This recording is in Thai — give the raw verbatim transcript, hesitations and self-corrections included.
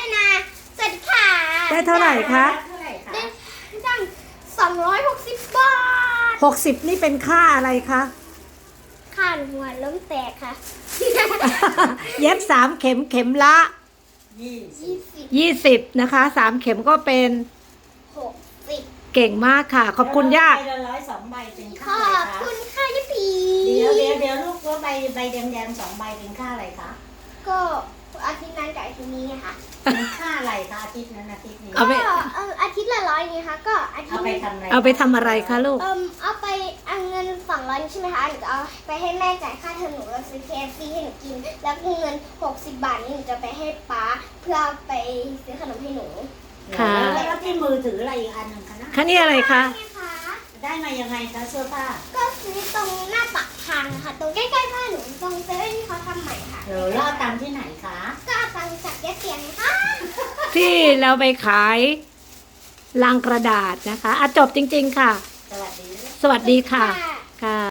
นาสวัสดีค่ะได้เท่าไหร่คะเท่าไหร่คะได้ตั้งสองร้อยหกสิบบาทหกสิบนี่เป็นค่าอะไรคะค่าหัวล้มแตกค่ะเย็บสามเข็มเข็มละยี่สิยี่บสิบยี่สิบนะคะสามเข็มก็เป็นหกสิบเก่งมากค่ะ ขอบคุณย่าใบละร้อยสองใบเป็นขค่าออะไรบคะคุณค่ะยี่ปีเดี๋ยวเดี๋ยวเดี๋ยวลูกว่าใบใบแดงๆสองใบเป็นค่าอะไรคะก็อาทิตย์นั้นกับอาทิตย์นี้ไงคะเป็นค่าอะไรคะอาทิตย์นั้นอาทิตย์นี้เอาไปก็เอออาทิตย์ละร้อยไงคะก็อาทิตเอาย์ไปทำอะไรเอาไปทำอะไรคะลูกเอิมเอาไปเอาเงินสองร้อยใช่ไหมคะหนูจะเอาไปให้แม่จ่ายค่าเทอมหนูแล้วซื้อ เค เอฟ ซี ให้หนูกิน แล้วเงินหกสิบบาทนี้หนูจะไปให้ป๊าเพื่อเอาไปซื้อขนมให้หนูค่ะแล้วแล้วที่มือถืออะไรอีกอันหนึ่งคะนะคะนี่อะไรคะใช่คะได้มายังไงคะเสื้อผ้าก็ซื้อตรงหน้าปากทางค่ะ ตรงใกล้ๆบ้านหนูตรงเซเว่นที่เขาทำใหม่ค่ะเดี๋ยวแล้วเอาตังค์ที่ไหนคะก็เอาตังค์จากเจ๊เตียงค่ะที่เราไปขายลังกระดาษนะคะอ่ะจบจริง ๆ ค่ะสวัสดีสวัสดีค่ะ ค่ะ